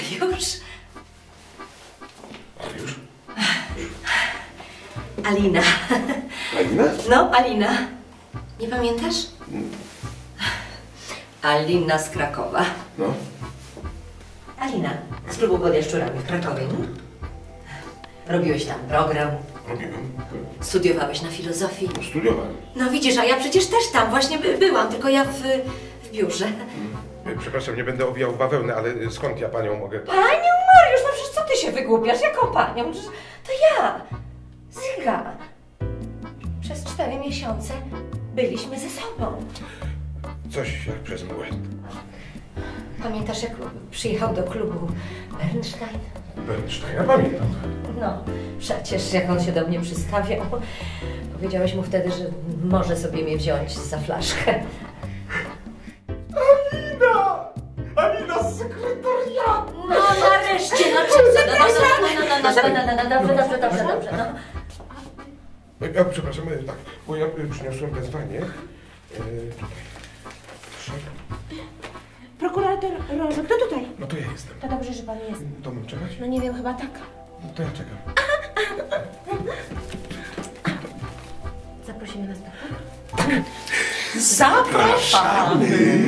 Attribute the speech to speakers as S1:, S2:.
S1: Mariusz?
S2: Mariusz?
S1: Alina.
S2: Alina?
S1: No, Alina. Nie pamiętasz? Alina z Krakowa.
S2: No.
S1: Alina, z klubu pod Jaszczurami w Krakowie. Robiłeś tam program.
S2: Robiłem.
S1: Studiowałeś na filozofii.
S2: Studiowałem.
S1: No widzisz, a ja przecież też tam właśnie byłam, tylko ja w biurze.
S2: Przepraszam, nie będę owijał bawełny, ale skąd ja panią mogę...
S1: Panią Mariusz, no przecież co ty się wygłupiasz? Jaką panią? To ja, Zyga. Przez 4 miesiące byliśmy ze sobą.
S2: Coś jak przez mgłę.
S1: Pamiętasz, jak przyjechał do klubu Bernstein?
S2: Bernstein, ja pamiętam.
S1: No, przecież jak on się do mnie przystawiał. Powiedziałeś mu wtedy, że może sobie mnie wziąć za flaszkę.
S2: Alina! Alina z sekretariatu!
S1: No nareszcie, no dobrze, no.
S2: Ja przepraszam, tak, bo ja przyniosłem wezwanie. Tutaj. Proszę.
S3: Prokurator Rożo, kto tutaj?
S2: No to ja jestem.
S3: To dobrze, że pan jest.
S2: To mam czekać?
S3: No nie wiem, chyba tak.
S2: No to ja czekam.
S3: Zaprosimy na spotkanie?
S2: Zapraszamy!